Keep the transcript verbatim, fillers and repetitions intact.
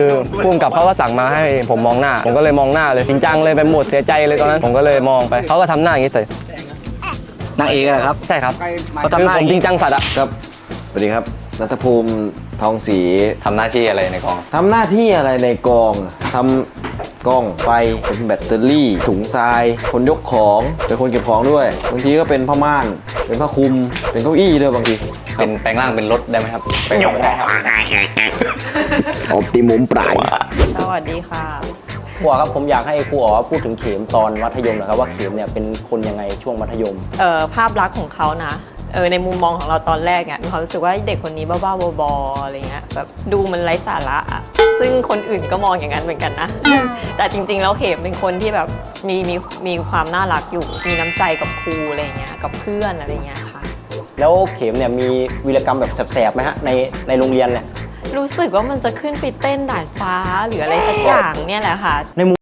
คือพุ่มกับเขาก็สั่งมาให้ผมมองหน้าผมก็เลยมองหน้าเลยจริงจังเลยไปหมดเสียใจเลยตอนนั้นผมก็เลยมองไปเขาก็ทำหน้าอย่างนี้ใส่นางเอกอะครับใช่ครับเขาทำคือหน้าผมจริงจังสัตว์อะครับสวัสดีครับณัฐภูมิทองศรีทำหน้าที่อะไรในกองทำหน้าที่อะไรในกองทำกล้องไฟเป็นแบตเตอรี่ถุงทราย คนยกของเป็นคนเก็บของด้วยบางทีก็เป็นผ้าม่าน เป็นผ้าคลุม เป็นเก้าอี้ด้วยบางทีเป็นแปลงร่างเป็นรถได้ไหมครับแปลงร่างได้ครับออปติมุมปลายสวัสดีค่ะครูอ๋อครับผมอยากให้ครูอ๋อพูดถึงเข็มตอนมัธยมหนะครับว่าเข็มเนี่ยเป็นคนยังไงช่วงมัธยมเอ่อภาพลักษณ์ของเขานะเออในมุมมองของเราตอนแรกเนี่ยมีความรู้สึกว่าเด็กคนนี้บ้าๆบอๆอะไรเงี้ยแบบดูมันไร้สาระอะซึ่งคนอื่นก็มองอย่างนั้นเหมือนกันนะ แต่จริงๆแล้วเข็มเป็นคนที่แบบมีมีมีความน่ารักอยู่มีน้ำใจกับครูอะไรเงี้ยกับเพื่อนอะไรเงี้ยค่ะแล้วเข็มเนี่ยมีวีรกรรมแบบแสบๆไหมฮะในในโรงเรียนเนี่ยรู้สึกว่ามันจะขึ้นไปเต้นด่านฟ้าหรืออะไรสักอย่างเนี่ยแหละค่ะ